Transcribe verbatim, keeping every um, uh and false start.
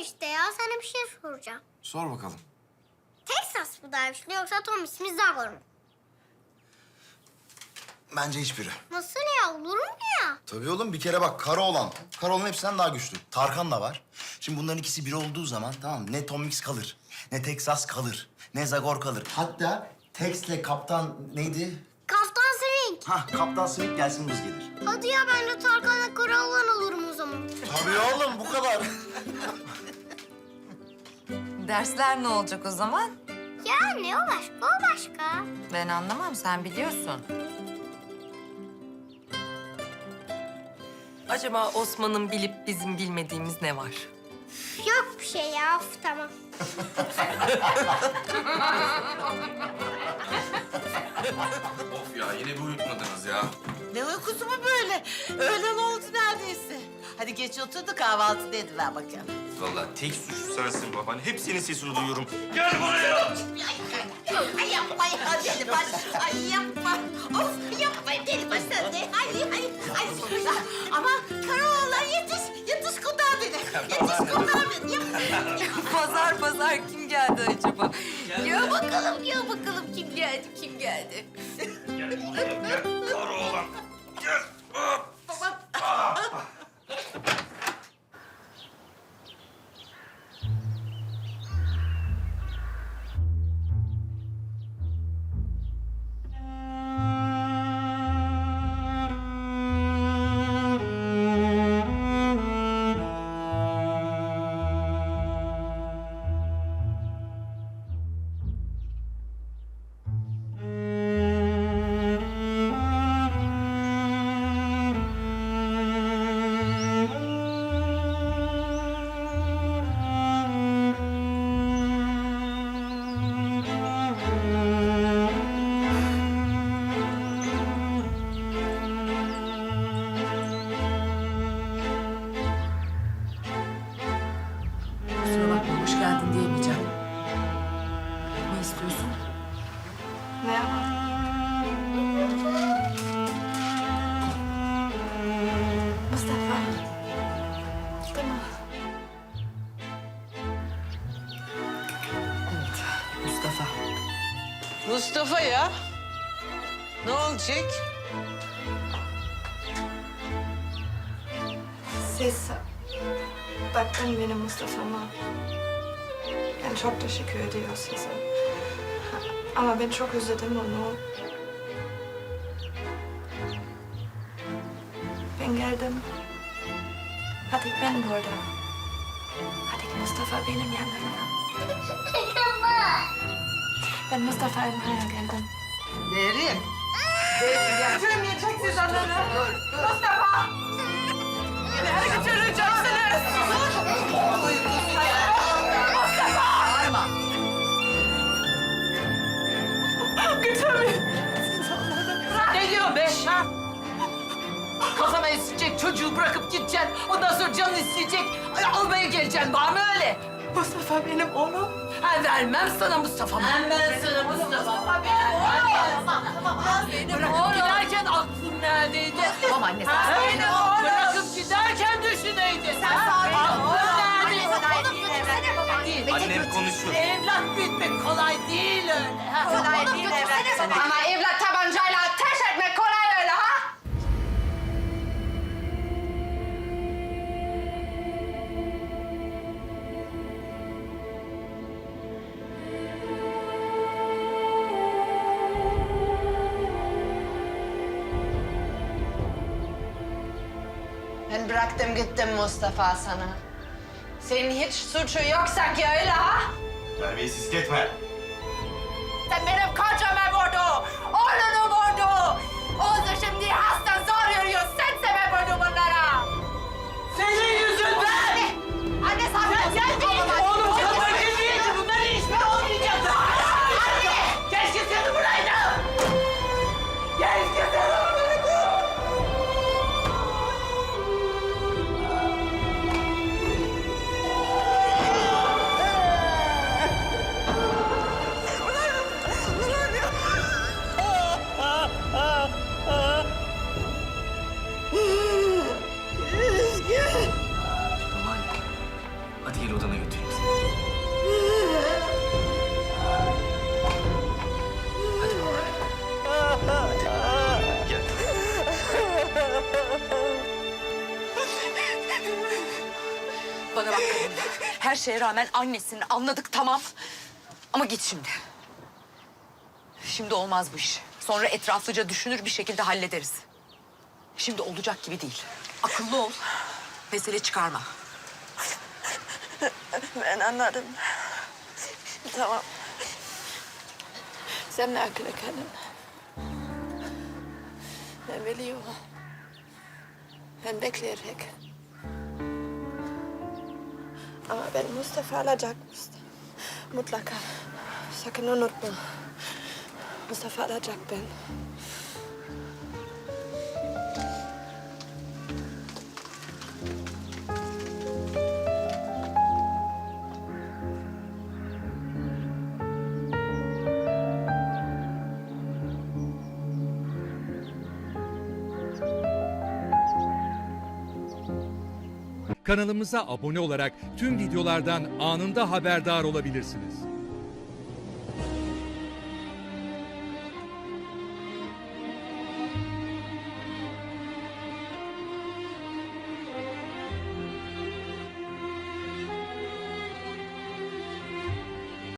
işte ya. Sana bir şey soracağım. Sor bakalım. Texas mı daha güçlü yoksa Tom Smith Zagor mu? Bence hiçbiri. Nasıl ya? Olur mu ya? Tabii oğlum bir kere bak Karaoğlan. Karaoğlan hepsinden daha güçlü. Tarkan da var. Şimdi bunların ikisi biri olduğu zaman tamam mı? Ne Tom Mix kalır, ne Texas kalır, ne Zagor kalır. Hatta Tex'le kaptan neydi? Kaptan Swing. Hah kaptan Smith gelsin buz gelir. Hadi ya ben de Tarkan'la Karaoğlan olurum o zaman. Tabii oğlum bu kadar. Dersler ne olacak o zaman? Ya ne o başka o başka. Ben anlamam, sen biliyorsun. Acaba Osman'ın bilip bizim bilmediğimiz ne var? Yok bir şey ya. Of, tamam. Of ya yine bir uyutmadınız ya. Ne uykusu mu böyle? Öğlen oldu neredeyse. Hadi geç otur da kahvaltı da ediver bakalım. Vallahi tek suçlu sensin baban. Hep senin sesini duyuyorum. Gel buraya! Ay yapma ya deli baş. Ay yapma. Of yapma deli baş sen de. Ay ay ay. Ama Karaoğlan yetiş. Yetiş kurtar beni. Yetiş kurtar beni. Yap. Pazar pazar kim geldi acaba? Ya bakalım, ya bakalım kim geldi, kim geldi? Gel buraya gel. Karaoğlan. Gel. Kusura bakma, hoş geldin diyemeyeceğim. Ne istiyorsun? Mustafa. Tamam. Mustafa. Mustafa ya. Ne olacak? Siz bakın benim Mustafa'ma. Ben çok teşekkür ediyorum size. Ama ben çok özledim onu. Ben geldim. Hadi ben burada. Hadi Mustafa benim yanımda. Ben Mustafa'ya buraya geldim. Derin. Götürmeyeceksiniz onları. Mustafa! Nereye götüreceksiniz? Bağırma. Götürmeyin. Ne diyorsun be? Ha? Kafama isteyecek, çocuğu bırakıp gideceksin. Ondan sonra canın isteyecek, ay, almaya geleceksin. Var mı öyle? Mustafa benim oğlum. Ha, vermem sana Mustafa'mı. Ben sana Mustafa. Benim oğlum. Benim oğlum. Giderken aklın neredeydi? Tamam anne, sen Ha? söyle. Bırakıp giderken düşüneydin. Sen Ha? sakin ol. Aklın Anne, neredeydi? sen oğlum götürsene babanı. Değil. Annem konuşuyor. Evlat büyütmek kolay değil öyle. Ha? Kolay değil evlat. Ama evlat tabancayla ateş etmek kolay öyle ha? Ben bıraktım gittim Mustafa sana. Senin hiç suçu yok sanki öyle ha? Terbiyesizlik etme. Sen benim kocamı vurdu, oğlunu vurdu. Oğlu şimdi hasta zor yürüyor. Sen sebep oldun bunlara. Senin yüzünden! Anne sakin ol. Oğlum kadar gibiydi. Bunların hiçbiri olmayacaktı. Anne! Keşke seni buraydım. Keşke seni buraydım. Bana bak kadın. Her şeye rağmen annesini anladık tamam. Ama git şimdi. Şimdi olmaz bu iş. Sonra etraflıca düşünür bir şekilde hallederiz. Şimdi olacak gibi değil. Akıllı ol. Mesele çıkarma. Ben anladım. Tamam. Sen meraklı kadın. Ben biliyorum. Ben bekleyerek. Ama ben Mustafa alacakmıştım. Mutlaka. Sakın unutma. Mustafa alacak ben. Kanalımıza abone olarak tüm videolardan anında haberdar olabilirsiniz.